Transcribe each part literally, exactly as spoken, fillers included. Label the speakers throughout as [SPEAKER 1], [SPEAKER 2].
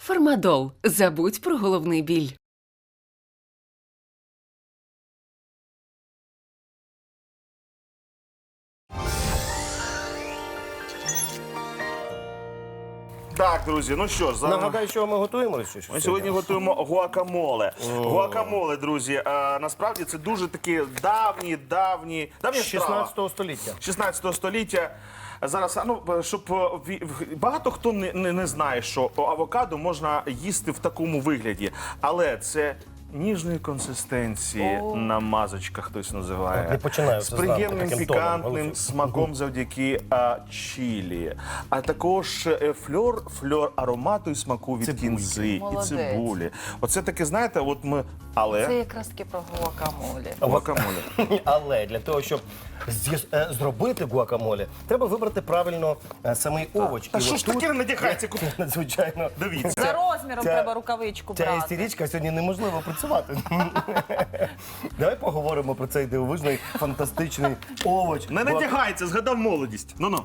[SPEAKER 1] Фармадол. Забудь про головний біль.
[SPEAKER 2] Так, друзі, ну що ж, зараз...
[SPEAKER 3] Нагадай, що ми готуємо? Чи що
[SPEAKER 2] Ми сьогодні готуємо гуакамоле. Гуакамоле, друзі, а, насправді це дуже такі давні, давні, давні
[SPEAKER 3] З шістнадцятого століття.
[SPEAKER 2] шістнадцятого століття. Зараз, а, ну, щоб е, ві- в- багато хто не, не, не знає, що авокадо можна їсти в такому вигляді, але це ніжної консистенції намазочка, хтось називає.
[SPEAKER 3] Не починаю
[SPEAKER 2] з
[SPEAKER 3] це зранку
[SPEAKER 2] приємним
[SPEAKER 3] таким тоном,
[SPEAKER 2] пікантним
[SPEAKER 3] Олексій.
[SPEAKER 2] смаком завдяки а, чилі, а також е, фльор, фльор аромату і смаку від
[SPEAKER 3] Цибульки.
[SPEAKER 2] кінзи
[SPEAKER 4] Молодець.
[SPEAKER 2] і цибулі. Оце таке, знаєте, от ми, але
[SPEAKER 4] Це якраз таки про гуакамолі.
[SPEAKER 2] гуакамоле.
[SPEAKER 3] Але для того, щоб з'їс- е, зробити гуакамоле, треба вибрати правильно е, самий овоч.
[SPEAKER 2] Та
[SPEAKER 3] І
[SPEAKER 2] що
[SPEAKER 3] от
[SPEAKER 2] ж
[SPEAKER 3] тут,
[SPEAKER 2] таке не надягається?
[SPEAKER 3] Надзвичайно,
[SPEAKER 2] Дивіться.
[SPEAKER 4] За розміром
[SPEAKER 3] Ця-
[SPEAKER 4] треба рукавичку
[SPEAKER 3] ця
[SPEAKER 4] брати.
[SPEAKER 3] істеричка сьогодні неможливо працювати. Давай поговоримо про цей дивовижний, фантастичний овоч.
[SPEAKER 2] Не
[SPEAKER 3] Гуак-
[SPEAKER 2] надягається, згадав молодість. Ну-ну.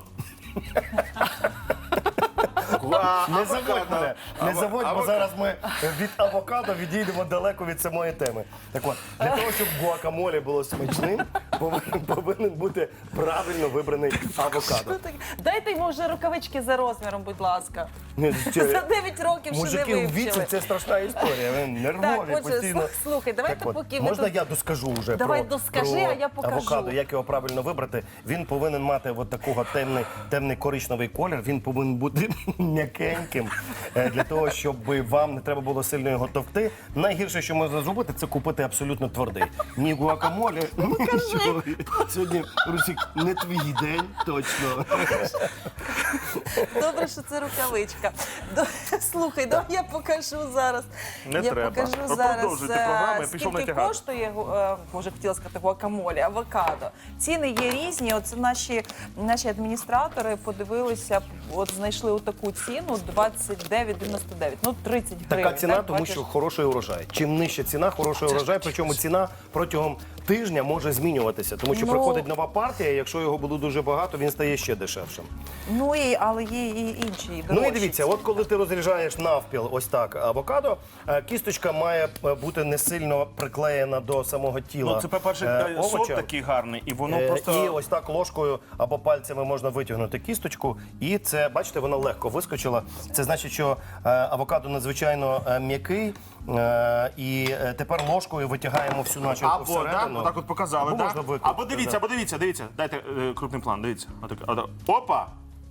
[SPEAKER 3] Не заводь мене, не заводь, бо зараз ми від авокадо відійдемо далеко від самої теми. Так от, для того, щоб гуакамоле було смачним, повинен, повинен бути правильно вибраний авокадо.
[SPEAKER 4] Дайте йому вже рукавички за розміром, будь ласка.
[SPEAKER 3] Ні,
[SPEAKER 4] За
[SPEAKER 3] ще-
[SPEAKER 4] дев'ять років ще
[SPEAKER 3] Мужики
[SPEAKER 4] не
[SPEAKER 3] в віці
[SPEAKER 4] вивчили.
[SPEAKER 3] це страшна історія. Вони
[SPEAKER 4] Так,
[SPEAKER 3] нервові
[SPEAKER 4] отже,
[SPEAKER 3] постійно.
[SPEAKER 4] слух- слухай, давайте
[SPEAKER 3] Так от,
[SPEAKER 4] поки ви
[SPEAKER 3] можна
[SPEAKER 4] тут...
[SPEAKER 3] я доскажу вже
[SPEAKER 4] Давай
[SPEAKER 3] про,
[SPEAKER 4] доскажи,
[SPEAKER 3] про
[SPEAKER 4] а я покажу.
[SPEAKER 3] авокадо, як його правильно вибрати. Він повинен мати от такого темний, темний коричневий колір. Він повинен бути м'якеньким е, для того, щоб вам не треба було сильно його товкти. Найгірше, що можна зробити, це купити абсолютно твердий. Ні гуакамоле, нічого. Сьогодні, Русік, не твій день, точно.
[SPEAKER 4] Добре, що це рукавичка. До- Слухай, давай я покажу зараз.
[SPEAKER 2] Не
[SPEAKER 4] я
[SPEAKER 2] треба.
[SPEAKER 4] покажу
[SPEAKER 2] Ви
[SPEAKER 4] зараз,
[SPEAKER 2] продовжуйте
[SPEAKER 4] е,
[SPEAKER 2] програму, я пішов
[SPEAKER 4] скільки
[SPEAKER 2] натягати.
[SPEAKER 4] коштує, гу- е, боже, хотіла сказати, гуакамолі, авокадо. Ціни є різні. Оце наші, наші адміністратори подивилися, от знайшли отаку ціну двадцять дев'ять дев'яносто дев'ять. Ну, тридцять гривень.
[SPEAKER 3] Така ціна,
[SPEAKER 4] так,
[SPEAKER 3] тому
[SPEAKER 4] бачиш?
[SPEAKER 3] що хороший урожай. Чим нижча ціна, хороший урожай. Причому ціна протягом тижня може змінюватися, тому що
[SPEAKER 4] Ну-
[SPEAKER 3] приходить нова партія. Якщо його буде дуже багато, він стає ще дешевшим.
[SPEAKER 4] Ну, і, але є і інші.
[SPEAKER 3] Ну і
[SPEAKER 4] дорожчі
[SPEAKER 3] дивіться,
[SPEAKER 4] ціни.
[SPEAKER 3] от коли ти розріжаєш навпіл, ось так авокадо, е, кісточка має е, бути не сильно приклеєна до самого тіла.
[SPEAKER 2] Ну, це, по-перше,
[SPEAKER 3] е,
[SPEAKER 2] сорт
[SPEAKER 3] овоча.
[SPEAKER 2] такий гарний, і воно
[SPEAKER 3] Е,
[SPEAKER 2] просто...
[SPEAKER 3] І ось так ложкою або пальцями можна витягнути кісточку. І це, бачите, вона легко вискочила. Це значить, що е, авокадо надзвичайно е, м'який. Е, і е, тепер ложкою витягаємо всю начинку
[SPEAKER 2] Або, да,
[SPEAKER 3] всередину.
[SPEAKER 2] отак от показали,
[SPEAKER 3] Або
[SPEAKER 2] да?
[SPEAKER 3] можна викрутити,
[SPEAKER 2] Або дивіться,
[SPEAKER 3] да.
[SPEAKER 2] або дивіться, дивіться. Дайте е, крупний план, дивіться. Отак, отак. Опа!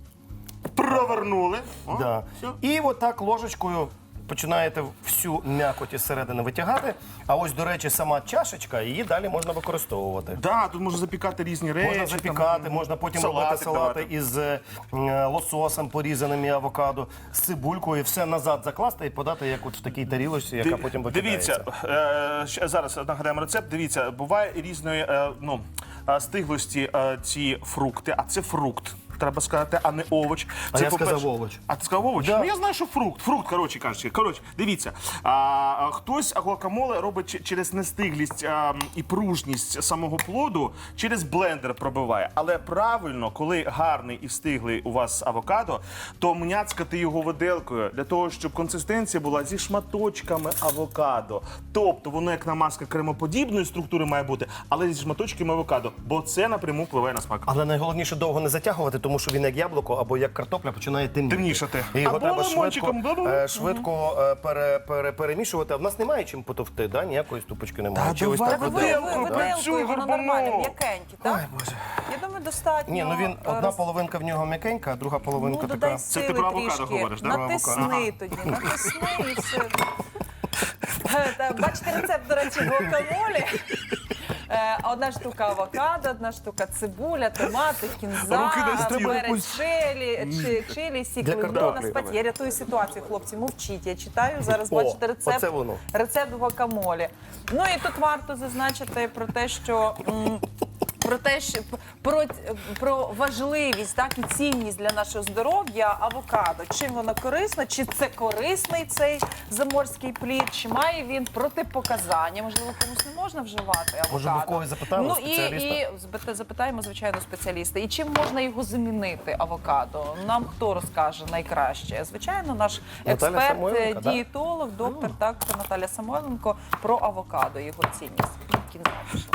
[SPEAKER 2] Провернули. О,
[SPEAKER 3] Да.
[SPEAKER 2] все.
[SPEAKER 3] І отак ложечкою починаєте всю м'якоть із середини витягати. А ось, до речі, сама чашечка, її далі можна використовувати.
[SPEAKER 2] Да, тут можна запікати різні речі.
[SPEAKER 3] Можна запікати,
[SPEAKER 2] там,
[SPEAKER 3] можна потім
[SPEAKER 2] салатик
[SPEAKER 3] робити салати
[SPEAKER 2] давати.
[SPEAKER 3] із е, лососем, порізаним і авокадо, з цибулькою, все назад закласти і подати як от в такій тарілочці, яка
[SPEAKER 2] Ди-
[SPEAKER 3] потім викидається.
[SPEAKER 2] Дивіться, е, ще зараз нагадаємо рецепт. Дивіться, буває різної е, ну, е, стиглості е, ці фрукти, а це фрукт. Треба сказати, а не овоч.
[SPEAKER 3] А
[SPEAKER 2] Це,
[SPEAKER 3] я
[SPEAKER 2] по-перше-
[SPEAKER 3] сказав овоч.
[SPEAKER 2] А ти сказав овоч?
[SPEAKER 3] Да.
[SPEAKER 2] Ну я знаю, що фрукт. Фрукт, коротше кажучи. Коротше, дивіться. А, а, хтось гуакамоле робить ч- через нестиглість а, і пружність самого плоду, через блендер пробиває. Але правильно, коли гарний і стиглий у вас авокадо, то мняцкати його виделкою для того, щоб консистенція була зі шматочками авокадо. Тобто воно як намазка кремоподібної структури має бути, але зі шматочками авокадо, бо це напряму впливає на смак.
[SPEAKER 3] Але найголовніше довго не затягувати, тому що він як яблуко або як картопля починає темніти.
[SPEAKER 2] Темнішати.
[SPEAKER 3] І його
[SPEAKER 2] Або
[SPEAKER 3] треба швидко,
[SPEAKER 2] лимончиком, бла-бла.
[SPEAKER 3] е, швидко е, пере, пере, перемішувати. А в нас немає чим потовти, да? Ніякої ступочки немає.
[SPEAKER 2] Та
[SPEAKER 3] Чи ось
[SPEAKER 2] давай
[SPEAKER 3] так
[SPEAKER 4] Ви,
[SPEAKER 3] от
[SPEAKER 4] ви,
[SPEAKER 2] виделку,
[SPEAKER 4] ви,
[SPEAKER 2] да?
[SPEAKER 4] виделкою,
[SPEAKER 2] Працюй,
[SPEAKER 4] воно
[SPEAKER 2] горбуну.
[SPEAKER 4] нормально, м'якенькі, так?
[SPEAKER 3] Ой, Боже.
[SPEAKER 4] Я думаю, достатньо.
[SPEAKER 3] Ні, ну він
[SPEAKER 4] е,
[SPEAKER 3] одна
[SPEAKER 4] роз-
[SPEAKER 3] половинка в нього м'якенька, а друга половинка
[SPEAKER 4] Ну,
[SPEAKER 3] така.
[SPEAKER 4] додай
[SPEAKER 2] Це ти
[SPEAKER 4] сили
[SPEAKER 2] про авокадо
[SPEAKER 4] трішки.
[SPEAKER 2] говориш, да?
[SPEAKER 4] Натисни
[SPEAKER 2] Про авокадо.
[SPEAKER 4] тоді, натисни і все. Е, та, Бачите рецепт, до речі, гуакамолі. Е, Одна штука авокадо, одна штука цибуля, томати, кінза,
[SPEAKER 2] Руки на стіл.
[SPEAKER 4] перець чилі, чи- чилі, сік
[SPEAKER 3] Для
[SPEAKER 4] лимона,
[SPEAKER 3] картоплі.
[SPEAKER 4] спать. Я рятую ситуацію, хлопці, мовчіть. Я читаю, зараз
[SPEAKER 3] О,
[SPEAKER 4] бачите рецепт,
[SPEAKER 3] оце воно.
[SPEAKER 4] рецепт гуакамолі. Ну і тут варто зазначити про те, що м, про те, що про, про важливість, так і цінність для нашого здоров'я авокадо. Чим воно корисно? Чи це корисний цей заморський плід? Чи має він протипоказання? Можливо, комусь не можна вживати авокадо?
[SPEAKER 3] Може, ми в когось запитаємо,
[SPEAKER 4] Ну і,
[SPEAKER 3] спеціаліста?
[SPEAKER 4] і збит- запитаємо, звичайно, спеціаліста. І чим можна його замінити, авокадо? Нам хто розкаже найкраще? Звичайно, наш
[SPEAKER 3] Наталя
[SPEAKER 4] експерт,
[SPEAKER 3] Самойленко, да?
[SPEAKER 4] дієтолог, доктор, так, Наталя Самойленко, про авокадо, його цінність. Кінець.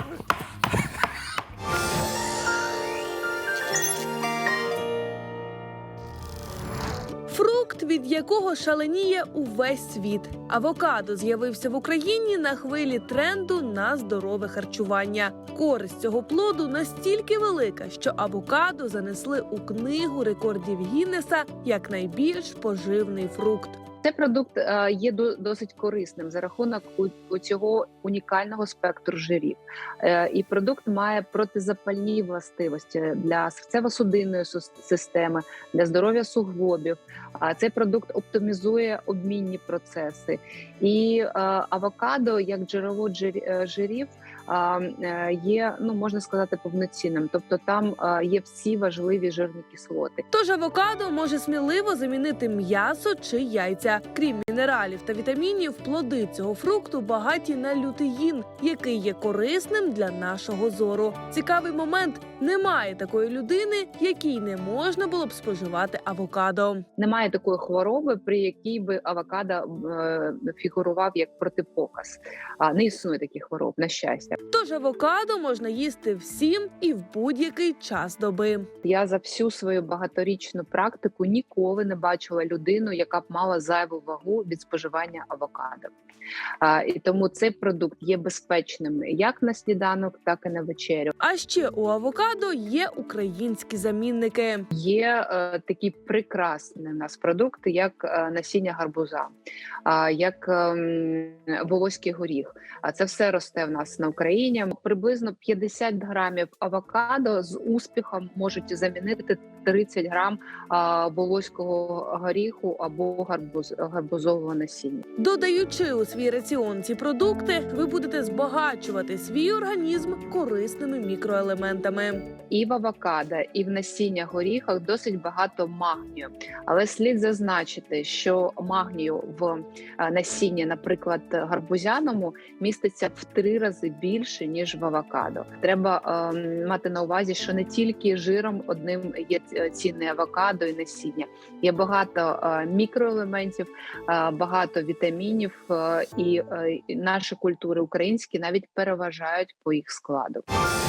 [SPEAKER 5] Фрукт, від якого шаленіє увесь світ. Авокадо з'явився в Україні на хвилі тренду на здорове харчування. Користь цього плоду настільки велика, що авокадо занесли у книгу рекордів Гіннеса як найбільш поживний фрукт.
[SPEAKER 6] Цей продукт е, є до- досить корисним за рахунок у, у цього унікального спектру жирів. Е, і продукт має протизапальні властивості для серцево-судинної сус- системи, для здоров'я суглобів. А цей продукт оптимізує обмінні процеси. І е, авокадо, як джерело джир- е, жирів, а, е, є, ну можна сказати, повноцінним. Тобто там е, є всі важливі жирні кислоти.
[SPEAKER 5] Тож авокадо може сміливо замінити м'ясо чи яйця. Крім мінералів та вітамінів, плоди цього фрукту багаті на лютеїн, який є корисним для нашого зору. Цікавий момент – немає такої людини, якій не можна було б споживати авокадо.
[SPEAKER 6] Немає такої хвороби, при якій би авокадо е, фігурував як протипоказ. А не існує таких хвороб, на щастя.
[SPEAKER 5] Тож авокадо можна їсти всім і в будь-який час доби.
[SPEAKER 6] Я за всю свою багаторічну практику ніколи не бачила людину, яка б мала зайву вагу від споживання авокадо. А, і тому цей продукт є безпечним як на сніданок, так і на вечерю.
[SPEAKER 5] А ще у авокадо є українські замінники.
[SPEAKER 6] Є е, такі прекрасні у нас продукти, як е, насіння гарбуза, а, як ем, волоський горіх. А це все росте в нас на Україні. Приблизно п'ятдесят грамів авокадо з успіхом можуть замінити тридцять грам а, волоського горіху або гарбуз, гарбузового насіння.
[SPEAKER 5] Додаючи у свій раціон ці продукти, ви будете збагачувати свій організм корисними мікроелементами.
[SPEAKER 6] І в авокадо, і в насіння горіхах досить багато магнію. Але слід зазначити, що магнію в е, насінні, наприклад, гарбузяному, міститься в три рази більше, ніж в авокадо. Треба е, мати на увазі, що не тільки жиром одним є цінне авокадо і насіння. Є багато е, мікроелементів, е, багато вітамінів, е, і, е, і наші культури українські навіть переважають по їх складу.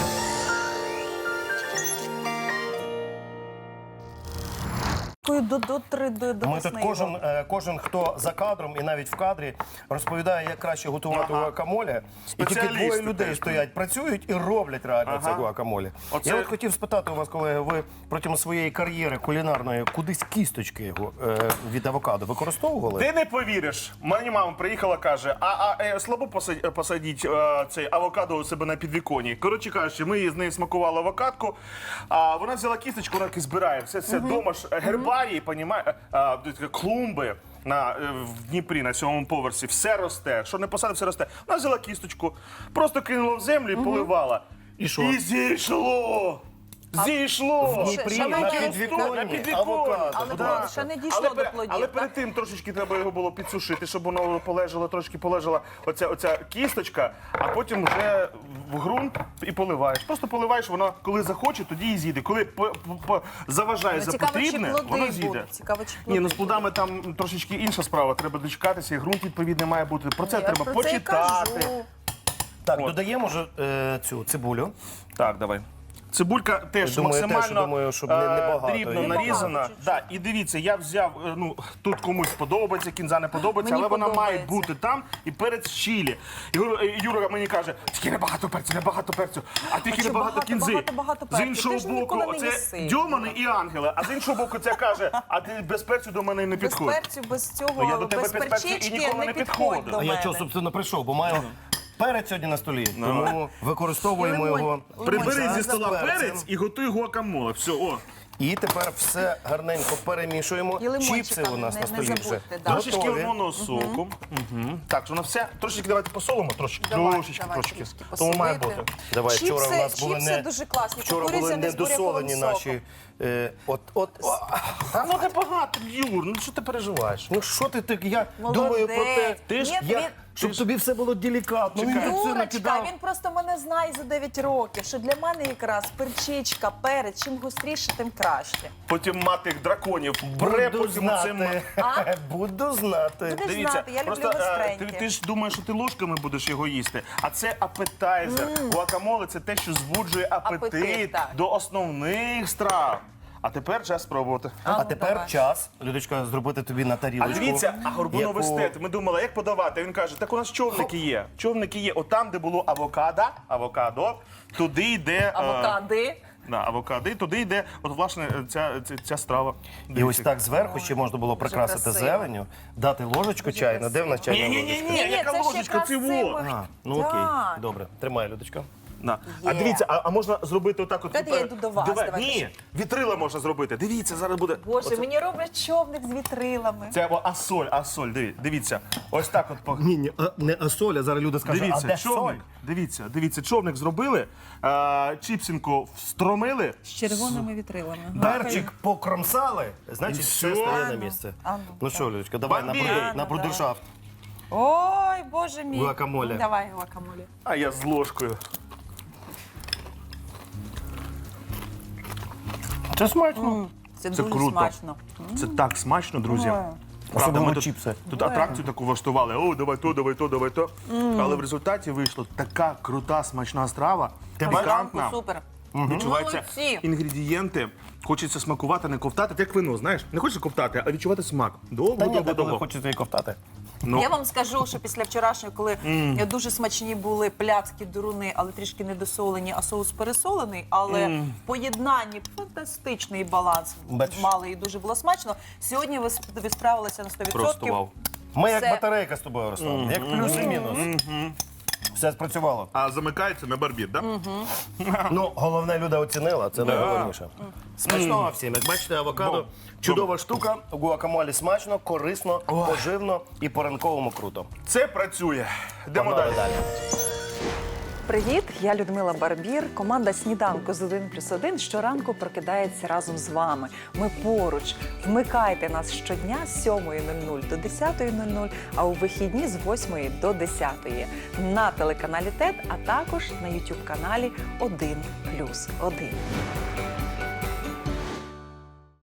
[SPEAKER 4] До, до, три, до, до
[SPEAKER 3] Ми тут кожен, е, кожен, хто за кадром і навіть в кадрі, розповідає, як краще готувати
[SPEAKER 2] Ага.
[SPEAKER 3] гуакамоле. І тільки
[SPEAKER 2] Спеціалісти
[SPEAKER 3] двоє людей
[SPEAKER 2] теж.
[SPEAKER 3] стоять, працюють і роблять реально
[SPEAKER 2] Ага.
[SPEAKER 3] це гуакамоле.
[SPEAKER 2] Оце-
[SPEAKER 3] Я от хотів спитати у вас, колеги, ви протягом своєї кар'єри кулінарної кудись кісточки його, е, від авокадо використовували?
[SPEAKER 2] Ти не повіриш. Мені мама приїхала, каже, а, а е, слабо посадь- посадіть е, цей авокадо у себе на підвіконні. Коротше кажучи, ми з нею смакували авокадку, а вона взяла кісточку, вона таки збирає. Все це вдома ж гербарії, понімає, а, такі клумби. На, е, в Дніпрі на сьомому поверсі все росте. Що не посадив, все росте. Вона взяла кісточку, просто кинула в землю і поливала.
[SPEAKER 3] І що?
[SPEAKER 2] І зійшло! Зійшло!
[SPEAKER 3] В Дніпрі
[SPEAKER 4] Ще
[SPEAKER 3] на
[SPEAKER 4] не
[SPEAKER 3] підвіконні
[SPEAKER 2] на підвіконні.
[SPEAKER 3] авокадо.
[SPEAKER 4] Але
[SPEAKER 3] будь
[SPEAKER 4] правда,
[SPEAKER 3] ласка.
[SPEAKER 4] ще не дійшло
[SPEAKER 2] Але,
[SPEAKER 4] до
[SPEAKER 2] пере-
[SPEAKER 4] плодів.
[SPEAKER 2] але
[SPEAKER 4] так?
[SPEAKER 2] перед тим трошечки треба його було підсушити, щоб воно полежало, трошки полежала оця, оця кісточка, а потім вже в ґрунт і поливаєш. Просто поливаєш, воно коли захоче, тоді і з'їде. Коли по, по, по- заважає
[SPEAKER 4] Ну,
[SPEAKER 2] за
[SPEAKER 4] цікаво, чи
[SPEAKER 2] потрібне,
[SPEAKER 4] плоди
[SPEAKER 2] воно з'їде.
[SPEAKER 4] будуть. Цікаво, чи
[SPEAKER 2] Ні, ну
[SPEAKER 4] плоди
[SPEAKER 2] з плодами там трошечки інша справа. Треба дочекатися, і ґрунт відповідний має бути. Про це
[SPEAKER 4] Я
[SPEAKER 2] треба
[SPEAKER 4] про це і
[SPEAKER 2] почитати.
[SPEAKER 4] кажу.
[SPEAKER 3] Так,
[SPEAKER 2] От.
[SPEAKER 3] додаємо вже е, цю цибулю.
[SPEAKER 2] Так, давай. Цибулька теж
[SPEAKER 3] Думаю, теж,
[SPEAKER 2] максимально
[SPEAKER 3] думаю, щоб не- не
[SPEAKER 2] е,
[SPEAKER 3] багато
[SPEAKER 2] дрібно
[SPEAKER 3] її.
[SPEAKER 2] нарізана.
[SPEAKER 4] Небагато,
[SPEAKER 2] Да, і дивіться, я взяв, е, ну тут комусь подобається, кінза не подобається,
[SPEAKER 4] Мені
[SPEAKER 2] але вона має
[SPEAKER 4] подобається.
[SPEAKER 2] бути там і перець чилі. І Юра, е, Юра мені каже, тільки небагато перцю, небагато перцю, а тільки
[SPEAKER 4] що
[SPEAKER 2] небагато
[SPEAKER 4] багато,
[SPEAKER 2] кінзи.
[SPEAKER 4] багато, багато
[SPEAKER 2] З
[SPEAKER 4] перцю?
[SPEAKER 2] іншого
[SPEAKER 4] Ти ж
[SPEAKER 2] боку,
[SPEAKER 4] ніколи не
[SPEAKER 2] оце
[SPEAKER 4] їси.
[SPEAKER 2] Дьомани і ангели, а з іншого боку, це каже, а ти без перцю до мене не
[SPEAKER 4] Без
[SPEAKER 2] підходь.
[SPEAKER 4] перцю, без цього,
[SPEAKER 2] Ну, я до тебе
[SPEAKER 4] без
[SPEAKER 2] без перцю і
[SPEAKER 4] перчички
[SPEAKER 2] ніколи
[SPEAKER 4] не
[SPEAKER 2] не
[SPEAKER 4] підходь
[SPEAKER 2] підходив.
[SPEAKER 4] до
[SPEAKER 3] А
[SPEAKER 4] мене.
[SPEAKER 3] я чого, собственно, прийшов, бо маю перець сьогодні на столі, тому використовуємо
[SPEAKER 4] Лимон.
[SPEAKER 3] його.
[SPEAKER 2] Прибери
[SPEAKER 4] Лимон
[SPEAKER 2] зі стола
[SPEAKER 3] з перцем.
[SPEAKER 2] перець і готуй гуакамоле. Все, о.
[SPEAKER 3] І тепер все гарненько перемішуємо.
[SPEAKER 4] І лимончика
[SPEAKER 3] Чіпси у нас
[SPEAKER 4] не-
[SPEAKER 3] на
[SPEAKER 4] не
[SPEAKER 3] столі вже
[SPEAKER 4] забудьте, да.
[SPEAKER 2] Трошечки
[SPEAKER 3] готові.
[SPEAKER 2] лимонного соку. Угу. Так, що на все. Трошечки давайте посолимо, трошечки.
[SPEAKER 4] Давай,
[SPEAKER 2] трошечки,
[SPEAKER 4] давай,
[SPEAKER 2] трошечки.
[SPEAKER 4] трішки
[SPEAKER 2] Тому має
[SPEAKER 4] посолити.
[SPEAKER 2] бути.
[SPEAKER 3] Давай,
[SPEAKER 4] Чіпси-
[SPEAKER 3] вчора у нас були
[SPEAKER 4] чіпси
[SPEAKER 3] не
[SPEAKER 4] дуже класні,
[SPEAKER 3] Вчора були
[SPEAKER 4] кукурудзяні з буряковим
[SPEAKER 3] недосолені
[SPEAKER 4] соком.
[SPEAKER 3] наші. Е, от, от, о,
[SPEAKER 2] Та ну небагато, Юр, ну що ти переживаєш?
[SPEAKER 3] ну що ти так? Я
[SPEAKER 4] Молодець.
[SPEAKER 3] думаю про те,
[SPEAKER 2] Ти ж-
[SPEAKER 4] Ні,
[SPEAKER 3] я,
[SPEAKER 4] він-
[SPEAKER 3] щоб тобі все було делікатно.
[SPEAKER 2] Чекай.
[SPEAKER 3] Він тут все
[SPEAKER 4] Юрочка,
[SPEAKER 3] накидав.
[SPEAKER 4] він просто мене знає за дев'ять років, що для мене якраз перчичка, перець, чим гостріше, тим краще.
[SPEAKER 2] Потім мати драконів бре
[SPEAKER 3] Буду
[SPEAKER 2] потім цим.
[SPEAKER 3] знати.
[SPEAKER 4] А?
[SPEAKER 3] Буду знати.
[SPEAKER 4] Будеш
[SPEAKER 2] Дивіться,
[SPEAKER 4] знати, я люблю
[SPEAKER 2] просто е,
[SPEAKER 4] гостреньке.
[SPEAKER 2] ти, ти ж думаєш, що ти ложками будеш його їсти, а це апетайзер. Гуакамоле – це те, що збуджує апетит,
[SPEAKER 4] Апетит, так.
[SPEAKER 2] до основних страв. А тепер час спробувати.
[SPEAKER 3] А
[SPEAKER 4] ну,
[SPEAKER 3] тепер
[SPEAKER 4] давай.
[SPEAKER 3] час, Людочка, зробити тобі на
[SPEAKER 2] А
[SPEAKER 3] тарілочку.
[SPEAKER 2] дивіться, а горбуновий
[SPEAKER 3] яку-
[SPEAKER 2] стет. Ми думали, як подавати. Він каже, так у нас човники є. Човники є. Отам, де було авокадо, авокадо, туди йде... е,
[SPEAKER 4] Авокади.
[SPEAKER 2] Да, авокадо, і туди йде, от власне, ця, ця, ця страва.
[SPEAKER 3] І ось так зверху ще можна було прикрасити
[SPEAKER 4] красиво.
[SPEAKER 3] зеленню, дати ложечку чайну. Де в нас чайна ложечка?
[SPEAKER 2] Ні-ні-ні, яка
[SPEAKER 4] це ж
[SPEAKER 2] ложечка,
[SPEAKER 4] якраз
[SPEAKER 2] це
[SPEAKER 4] це
[SPEAKER 2] во.
[SPEAKER 4] ми-
[SPEAKER 3] А, ну окей,
[SPEAKER 4] Так.
[SPEAKER 3] добре. Тримай, Людочка.
[SPEAKER 2] На. А
[SPEAKER 4] Є.
[SPEAKER 2] дивіться, а, а можна зробити отак от.
[SPEAKER 4] Давайте я йду до вас,
[SPEAKER 2] Давай.
[SPEAKER 4] давайте.
[SPEAKER 2] Ні, вітрила можна зробити. Дивіться, зараз буде.
[SPEAKER 4] Боже,
[SPEAKER 2] Оце-
[SPEAKER 4] мені роблять човник з вітрилами.
[SPEAKER 2] Це о, асоль, асоль, диві- дивіться. Ось так от. по-
[SPEAKER 3] Ні, ні, не асоля, зараз люди скажуть,
[SPEAKER 2] Дивіться,
[SPEAKER 3] а де
[SPEAKER 2] човник. Дивіться, дивіться, човник зробили, а, чіпсінку встромили.
[SPEAKER 4] З червоними вітрилами.
[SPEAKER 3] Перчик покромсали, значить,
[SPEAKER 2] І
[SPEAKER 3] все
[SPEAKER 2] все.
[SPEAKER 3] стає на
[SPEAKER 4] Ану,
[SPEAKER 3] місце.
[SPEAKER 4] ану,
[SPEAKER 3] Ну
[SPEAKER 4] так.
[SPEAKER 3] що, Людочка, давай на,
[SPEAKER 2] Бомбі!
[SPEAKER 3] брудер-
[SPEAKER 4] Ану,
[SPEAKER 3] на брудершафт.
[SPEAKER 4] Ой, боже мій.
[SPEAKER 3] Гуакамоле.
[SPEAKER 4] Давай гуакамоле.
[SPEAKER 2] А я з ложкою.
[SPEAKER 3] Це смачно.
[SPEAKER 4] Це,
[SPEAKER 2] Це
[SPEAKER 4] дуже
[SPEAKER 2] круто.
[SPEAKER 4] смачно.
[SPEAKER 2] Це так смачно, друзі.
[SPEAKER 4] Ой.
[SPEAKER 2] Правда,
[SPEAKER 3] Особливо
[SPEAKER 2] ми тут,
[SPEAKER 3] чіпси.
[SPEAKER 2] тут атракцію таку влаштували. О, давай то, давай то, давай то. Але в результаті вийшла така крута, смачна страва. Пікантна.
[SPEAKER 4] Супер.
[SPEAKER 2] Відчуваються
[SPEAKER 4] Молодці.
[SPEAKER 2] інгредієнти. Хочеться смакувати, не ковтати, як вино, знаєш. Не хочеш ковтати, а відчувати смак. Довго,
[SPEAKER 3] Та ні,
[SPEAKER 2] довго,
[SPEAKER 3] та коли
[SPEAKER 2] довго.
[SPEAKER 3] хочеться і ковтати.
[SPEAKER 2] Ну.
[SPEAKER 4] Я вам скажу, що після вчорашнього, коли дуже смачні були пляцки, дуруни, але трішки недосолені, а соус пересолений, але в поєднанні фантастичний баланс
[SPEAKER 3] Бачиш.
[SPEAKER 4] мали і дуже було смачно. Сьогодні ви, сп- ви справилися на сто відсотків.
[SPEAKER 2] Просто вау.
[SPEAKER 3] Ми як
[SPEAKER 4] Все.
[SPEAKER 3] батарейка з тобою, Руслан, як плюс і мінус. Все спрацювало.
[SPEAKER 2] А замикається на барбір, так? Да?
[SPEAKER 3] Ну, головне, Люда оцінила, це найголовніше. Смачного всім. Як бачите, авокадо
[SPEAKER 2] Бом.
[SPEAKER 3] чудова штука. Гуакамолі смачно, корисно, поживно і по-ранковому круто.
[SPEAKER 2] Це працює. Йдемо
[SPEAKER 3] Погнали
[SPEAKER 2] далі.
[SPEAKER 3] далі.
[SPEAKER 4] Привіт, я Людмила Барбір. Команда «Сніданку з один плюс один» щоранку прокидається разом з вами. Ми поруч. Вмикайте нас щодня з сьомої нуль нуль до десятої нуль нуль, а у вихідні з восьмої до десятої на телеканалі ТЕТ, а також на ютуб каналі один плюс один.